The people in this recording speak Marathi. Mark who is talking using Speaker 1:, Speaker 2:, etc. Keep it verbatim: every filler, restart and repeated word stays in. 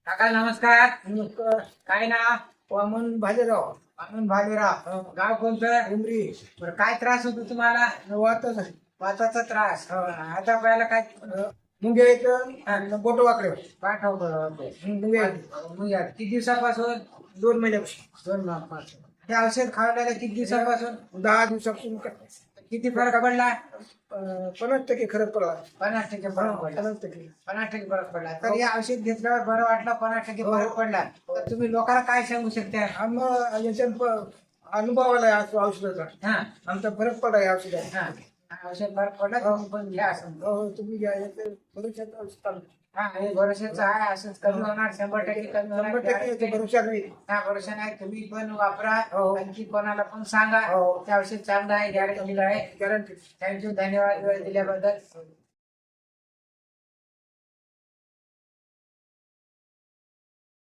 Speaker 1: काका नमस्कार.
Speaker 2: नमस्कार.
Speaker 1: काय ना?
Speaker 2: वामन भालेराव.
Speaker 1: वामन भालेराव. गाव कोणतं?
Speaker 2: उमरी.
Speaker 1: बरं, काय त्रास होतो तुम्हाला?
Speaker 2: वाटच आहे.
Speaker 1: वाताचा त्रास. आता पहिला काय
Speaker 2: मुंग्या येतं बोट वाकडे
Speaker 1: पाठवतो?
Speaker 2: मुंग्या
Speaker 1: मुंग्या किती दिवसापासून?
Speaker 2: दोन महिन्यापासून
Speaker 1: दोन महिन्यापासून. हे औषध खावल्याला किती दिवसापासून?
Speaker 2: दहा दिवसापासून
Speaker 1: किती फरक पडला?
Speaker 2: अं, पन्नास टक्के खरंच पडला.
Speaker 1: पन्नास टक्के फरक पडला.
Speaker 2: पन्नास टक्के
Speaker 1: पन्नास टक्के फरक पडला. तर हे औषध घेतल्यावर बरं वाटलं, पन्नास टक्के फरक पडला. तर तुम्ही लोकांना काय सांगू शकता?
Speaker 2: आम्हाला याच्यात प- अनुभव आला या औषधाचा.
Speaker 1: हा
Speaker 2: आमचा फरक पडला या औषधात.
Speaker 1: हा औषध फरक पडला, तुम्ही पण घ्या असं.
Speaker 2: हो, तुम्ही घ्या याचं भविष्यात औषध चालू.
Speaker 1: हा हे भरोशाचं आहे. असंच कमी होणार, शंभर टक्के कमी
Speaker 2: शंभर
Speaker 1: होणार.
Speaker 2: टक्के याचा भरोसा नाही.
Speaker 1: हा भरोसा नाही. तुम्ही पण वापरा,
Speaker 2: हो.
Speaker 1: आणखी कोणाला पण सांगा.
Speaker 2: हो.
Speaker 1: ते औषध चांगलं आहे, गॅरंटीला आहे.
Speaker 2: गॅरंटी.
Speaker 1: थँक्यू, धन्यवाद वेळ दिल्याबद्दल.